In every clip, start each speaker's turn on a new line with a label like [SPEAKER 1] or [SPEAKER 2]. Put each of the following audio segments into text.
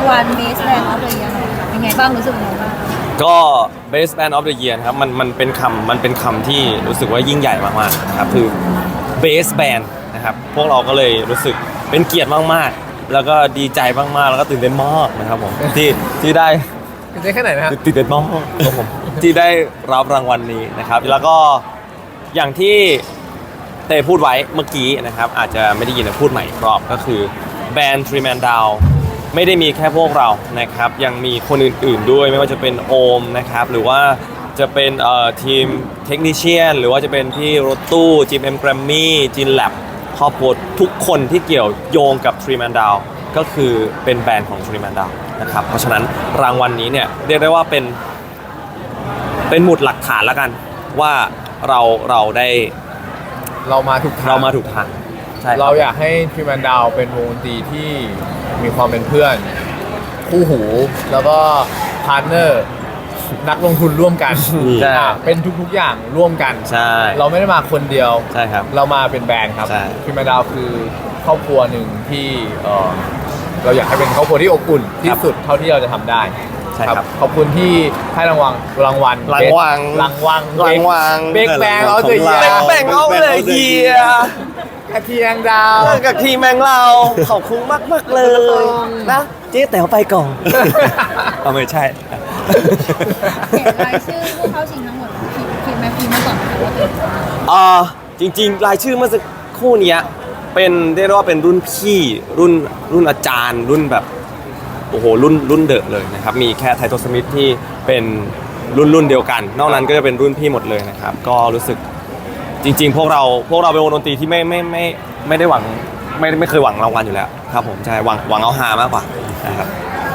[SPEAKER 1] วัล Best Band of the Year เป็นไงบ้างรู้สึกยังไงบ้าง
[SPEAKER 2] ก็ Best Band of the Year นะครับมันเป็นคำที่รู้สึกว่ายิ่งใหญ่มากๆนะครับคือ Best Band นะครับพวกเราก็เลยรู้สึกเป็นเกียรติมากๆแล้วก็ดีใจมากๆแล้วก็ตื่นเต้นมากนะครับผมที่ได้
[SPEAKER 3] ตื่นเต้นแค่ไหนนะ
[SPEAKER 2] ตื่นเต้นมากครับผมที่ได้รับรางวัลนี้นะครับแล้วก็อย่างที่เต้พูดไว้เมื่อกี้นะครับอาจจะไม่ได้ยินแต่พูดใหม่อีกรอบก็คือแบรนด์ Three Man Down ไม่ได้มีแค่พวกเรานะครับยังมีคนอื่นๆด้วยไม่ว่าจะเป็นโอมนะครับหรือว่าจะเป็นทีมเทคนิเชียนหรือว่าจะเป็นพี่รถตู้จิมเอ็มแกรมมี่จินแลบครอบครัวทุกคนที่เกี่ยวโยงกับ Three Man Down ก็คือเป็นแบรนด์ของ Three Man Down นะครับเพราะฉะนั้นรางวัลนี้เนี่ยเรียกได้ว่าเป็นหมุดหลักฐานแล้วกันว่าเรา
[SPEAKER 3] มาถูก
[SPEAKER 2] ทางใช่
[SPEAKER 3] เราอยากให้ทรีแมนดาวเป็นวงดนตรีที่มีความเป็นเพื่อนคู่หูแล้วก็พาร์ทเนอร์นักลงทุนร่วมกันเป็นทุกๆอย่างร่วมกัน
[SPEAKER 2] ใช่
[SPEAKER 3] เราไม่ได้มาคนเดียว
[SPEAKER 2] ใช่ครับ
[SPEAKER 3] เรามาเป็นแบรนด์ครับทรีแมนดาวคือครอบครัวหนึ่งที่เราอยากให้เป็นครอบครัวที่อบอุ่นที่สุดเท่าที่เราจะทำได้ครับขอบคุณที่ให้รางวัลเบกแบงเอาเลย
[SPEAKER 2] แบงเอาเลยเฮีย
[SPEAKER 3] กระเทียงดาว
[SPEAKER 2] กับทีมแมงเราขอบคุณมากเลยนะเจ๊แต๋วไปก่อนไม่ใช่
[SPEAKER 1] เห็นรายชื่อพวกเขาชิงทั้งหมดคิดไหมพี่มาก่อน
[SPEAKER 2] จริงๆรายชื่อเมื่อสักครู่นี้เป็นเรียกว่าเป็นรุ่นพี่รุ่นอาจารย์รุ่นแบบโอ้โหรุ่นเดอะเลยนะครับมีแค่ไทโทสมิธที่เป็นรุ่นเดียวกันนอกนั้นก็จะเป็นรุ่นพี่หมดเลยนะครับก็รู้สึกจริงๆพวกเราเป็นวงดนตรีที่ไม่ได้หวังไม่เคยหวังรางวัลอยู่แล้วครับผมใช่หวังเอาฮามากกว่านะครับ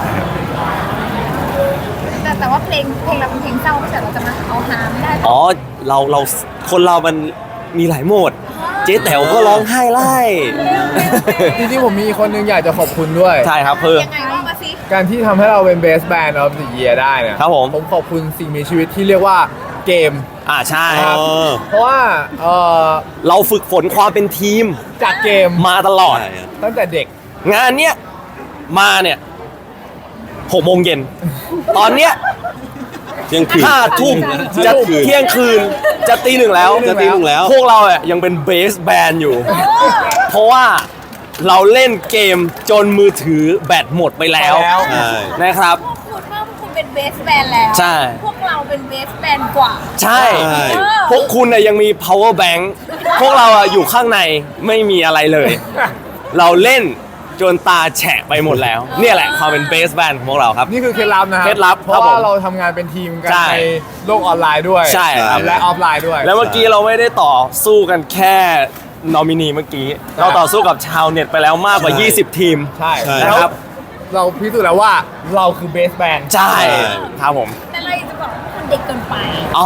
[SPEAKER 1] แต่ว่าเพลงเราเป็นเพลงเศร้าไม่ใช่เราจะมาเอาฮาไม่ได้
[SPEAKER 2] อ๋อเราคนเรามันมีหลายโหมดเจ๊แต๋วก็ร้องไห้ไล่
[SPEAKER 3] จริงๆผมมีคนนึงอยากจะขอบคุณด้วย
[SPEAKER 2] ใช่ครับเพื่อ
[SPEAKER 1] ยังไงว่ามาสิ
[SPEAKER 3] การที่ทำให้เราเป็น Best Band of the Year ได้เนี่ย
[SPEAKER 2] ครับผม
[SPEAKER 3] ขอบคุณสิ่งมีชีวิตที่เรียกว่าเกม
[SPEAKER 2] ใช่
[SPEAKER 3] เพราะว่า
[SPEAKER 2] เราฝึกฝนความเป็นทีม
[SPEAKER 3] จากเกม
[SPEAKER 2] มาตลอด
[SPEAKER 3] ตั้งแต่เด็ก
[SPEAKER 2] งานเนี้ยมาเนี่ย6 โมงเย็นตอนเนี้ย5 ทุ่มจะเที่ยงคืนจะตี 1แล้วพวกเรายังเป็นเบสแบนด์อยู่เพราะว่าเราเล่นเกมจนมือถือแบตหมดไปแล้วนะครับ
[SPEAKER 1] คุณเป็นเบสแบนด์แล้ว
[SPEAKER 2] ใช่
[SPEAKER 1] พวกเราเป็นเบสแบนด์กว่า
[SPEAKER 2] ใช่พวกคุณยังมี power bank พวกเราอยู่ข้างในไม่มีอะไรเลยเราเล่นจนตาแฉะไปหมดแล้วเนี่ยแหละความเป็นเบสแบนด์ของพวกเราครับ
[SPEAKER 3] นี่คือเคล็ดลับนะครับ
[SPEAKER 2] เคล็ดลับ
[SPEAKER 3] เพราะว่าเราทำงานเป็นทีมกันในโลกออนไลน์ด้วย
[SPEAKER 2] ใช่
[SPEAKER 3] และออฟไลน์ด้วย
[SPEAKER 2] แล้วเมื่อกี้เราไม่ได้ต่อสู้กันแค่นอมินีเมื่อกี้เราต่อสู้กับชาวเน็ตไปแล้วมากกว่า20 ทีม
[SPEAKER 3] ใช่
[SPEAKER 2] นะครับ
[SPEAKER 3] เราพิสูจน์แล้วว่าเราคือเบสแบนด์
[SPEAKER 2] ใช่ครับผม
[SPEAKER 1] แต่เราจะบอกว่าคุณเด็กเกินไป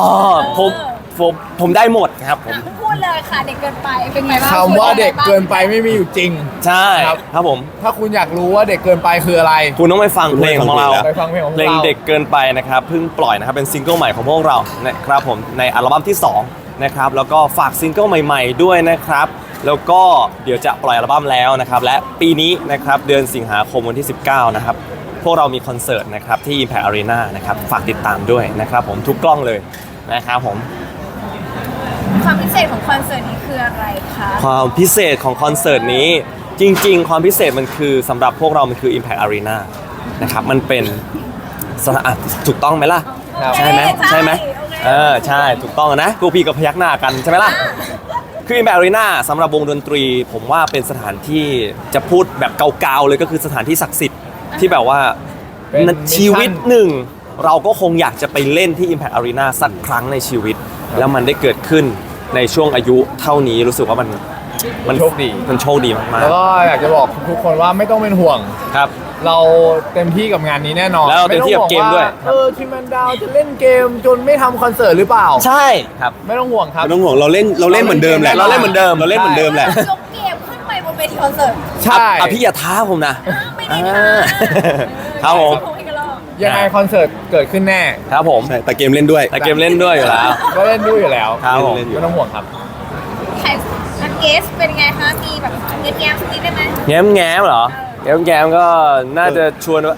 [SPEAKER 2] ผมได้หมดครับผม
[SPEAKER 1] พูดเลยค่ะเด็กเกินไปเป็นไงบ้าง
[SPEAKER 3] คำว่าเด็กเกินไปไม่มีอยู่จริง
[SPEAKER 2] ใช่ครับผม
[SPEAKER 3] ถ้าคุณอยากรู้ว่าเด็กเกินไปคืออะไร
[SPEAKER 2] คุณต้องไปฟังเพลงของเรา
[SPEAKER 3] เพล
[SPEAKER 2] งเด็กเกินไปนะครับเพิ่งปล่อยนะครับเป็นซิงเกิลใหม่ของพวกเรานะครับผมในอัลบั้มที่2นะครับแล้วก็ฝากซิงเกิลใหม่ๆด้วยนะครับแล้วก็เดี๋ยวจะปล่อยอัลบั้มแล้วนะครับและปีนี้นะครับเดือนสิงหาคมวันที่19นะครับพวกเรามีคอนเสิร์ตนะครับที่ Impact Arena นะครับฝากติดตามด้วยนะครับผมทุกกล้องเลยนะครับผม
[SPEAKER 1] ความพิเศษของคอนเสิร์ตนี้คืออะไรคะ
[SPEAKER 2] ความพิเศษของคอนเสิร์ตนี้จริงๆความพิเศษมันคือสำหรับพวกเรามันคือ Impact Arena นะครับมันเป็นถูกต้องไหมล่ะใช่ไหมใช่ถูกต้องนะพวกพี่ก็พยักหน้ากันใช่ไหมล่ะคือ Impact Arena สำหรับวงดนตรีผมว่าเป็นสถานที่จะพูดแบบเกาๆเลยก็คือสถานที่ศักดิ์สิทธิ์ที่แบบว่าชีวิตหนึ่งเราก็คงอยากจะไปเล่นที่ Impact Arena สักครั้งในชีวิตแล้วมันได้เกิดขึ้นในช่วงอายุเท่านี้รู้สึกว่ามัน
[SPEAKER 3] โชคดี
[SPEAKER 2] มากๆ
[SPEAKER 3] แล้วก็อยากจะบอกทุกคนว่าไม่ต้องเป็นห่วง
[SPEAKER 2] ครับ
[SPEAKER 3] เราเต็มที่กับงานนี้แน่นอน
[SPEAKER 2] แล้วเต็มที่กับเกมด้วย
[SPEAKER 3] ทีมแมนดาวจะเล่นเกมจนไม่ทำคอนเสิร์ตหรือเปล่า
[SPEAKER 2] ใช่ครับ
[SPEAKER 3] ไม่ต้องห่วงครับ
[SPEAKER 4] ไม่ต้องห่วงเราเล่นเหมือนเดิมแหละ
[SPEAKER 2] เราเล่นเหมือนเดิม
[SPEAKER 1] แหละยกเกมขึ้นไปบนเวทีคอนเสิร์ต
[SPEAKER 3] ใช่
[SPEAKER 2] พี่อย่าท้าผมนะ
[SPEAKER 1] ไม่ได้นะครับ
[SPEAKER 2] ผม
[SPEAKER 3] ยังไงคอนเสิร์ตเกิดขึ้นแน่
[SPEAKER 2] ครับผม
[SPEAKER 4] แต่เกมเล่นด้วย
[SPEAKER 2] อยู่แล้ว
[SPEAKER 3] ก็เล่นด้วยอยู่แล้ว
[SPEAKER 2] ครับผม
[SPEAKER 3] ไม่ต้องห่วงครับ
[SPEAKER 1] เกสเป็นไงคะมีแบบแง้มสักนิดได้ไหม
[SPEAKER 2] แง้มเหรอแง้มก็น่าจะชวน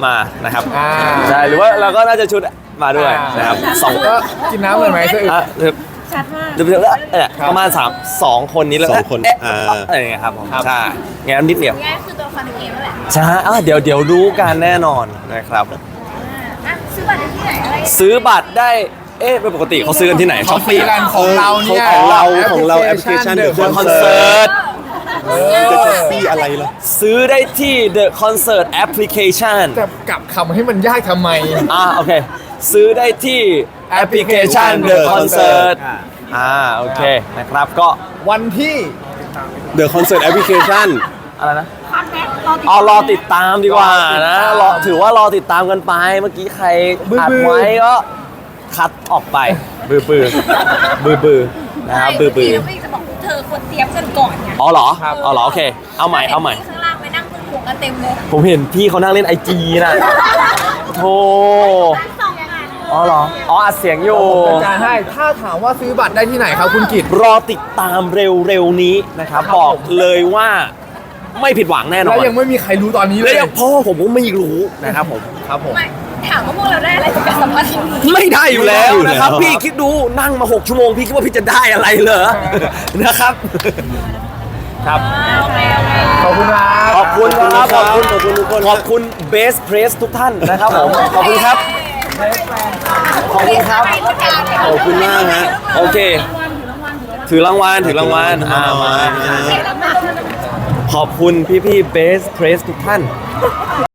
[SPEAKER 2] มานะครับ
[SPEAKER 3] อ่า
[SPEAKER 2] ใช่หรือว่าเราก็น่าจะชุดมาด้วยนะครับสอง
[SPEAKER 3] ก็กินน้ำเลยไหมสะอึก
[SPEAKER 2] อ่ะ
[SPEAKER 1] ชัดมาก
[SPEAKER 2] เดี๋ยวประมาณ2 คนนี้แล้ว
[SPEAKER 4] สองคน
[SPEAKER 2] เอ๊ะ
[SPEAKER 4] อ่า
[SPEAKER 2] อะไรอย่างเงี้ยครับผม
[SPEAKER 3] ครับ
[SPEAKER 2] ใช่งั้นนิดเดียว
[SPEAKER 1] ง่ายคือตัวละครในเกมนั่นแหละ
[SPEAKER 2] ใช่เดี๋ยวรู้กันแน่นอนนะครับ
[SPEAKER 1] อ่ะซื้อบัตรได้ที่ไหนอะไร
[SPEAKER 2] ซื้อบัตรได้ปกติเขาซื้อกันที่ไหน
[SPEAKER 3] เขาฟรีกันของเราเนี่ย
[SPEAKER 4] ของเราแอปพลิเคชัน
[SPEAKER 3] The
[SPEAKER 2] คอน
[SPEAKER 3] Concert
[SPEAKER 2] เสิร์ต
[SPEAKER 4] จะแท็กซี่อะไรล่ะ
[SPEAKER 2] ซื้อได้ที่ The Concert Application
[SPEAKER 3] จะกลับคำให้มันยากทำไม
[SPEAKER 2] โอเค ซื้อได้ที่แอปพลิเคชัน The Concert โอเคนะครับก็
[SPEAKER 3] วันที่
[SPEAKER 4] The Concert Application
[SPEAKER 2] อะไรนะ
[SPEAKER 1] พักแม็ก
[SPEAKER 2] รอติดตามดีกว่านะถือว่ารอติดตามกันไปเมื่อกี้ใครอัดไว้ก็คัดออกไปบือนะครับบือ
[SPEAKER 1] ไม่จะบอกเธอควรเตรียมกันก่อนไง
[SPEAKER 2] อ๋อเหรอโอเคเอาใหม่
[SPEAKER 1] ข้างล่างไปนั่งคุยหัวกันเต็มเลย
[SPEAKER 2] ผมเห็นพี่เขานั่งเล่น IG นะโธ่
[SPEAKER 1] สองงาน
[SPEAKER 2] อ๋อเหรออัดเสียงอยู่
[SPEAKER 3] จะจ่ายให้ถ้าถามว่าซื้อบัตรได้ที่ไหนครับคุณกิต
[SPEAKER 2] รอติดตามเร็วๆนี้นะครับบอกเลยว่าไม่ผิดหวังแน่นอ
[SPEAKER 3] แล้ว
[SPEAKER 2] น
[SPEAKER 3] ยังไม่มีใครรู้ตอนนี้เล
[SPEAKER 2] และ
[SPEAKER 3] ย
[SPEAKER 2] ยังพ่อผมก็ไม่รู้นะครับผม
[SPEAKER 3] ครับผม
[SPEAKER 1] ไม่ถามว่าพวกเราได้อะไรจากการสัมภาษณ์นี้
[SPEAKER 2] ไม่ได้อยู่แล้วนะครับ
[SPEAKER 4] ไม่ได้อยู่แล้ว
[SPEAKER 2] พี่คิดดูนั่งมา6 ชั่วโมงพี่คิดว่าพี่จะได้อะไรเหรอนะครับ ครับ
[SPEAKER 1] โอเค
[SPEAKER 3] ขอบคุณครับ
[SPEAKER 2] ขอบคุณครับขอบคุณ
[SPEAKER 4] ขอบคุณทุกคน
[SPEAKER 2] ขอบคุณเบสเพรสทุกท่านนะครับผมขอบคุณครับ ขอบคุณครับ
[SPEAKER 4] ขอบคุณมากฮะ
[SPEAKER 2] โอเค ถือรางวัลมาขอบคุณพี่ๆเบสเพรสทุกท่าน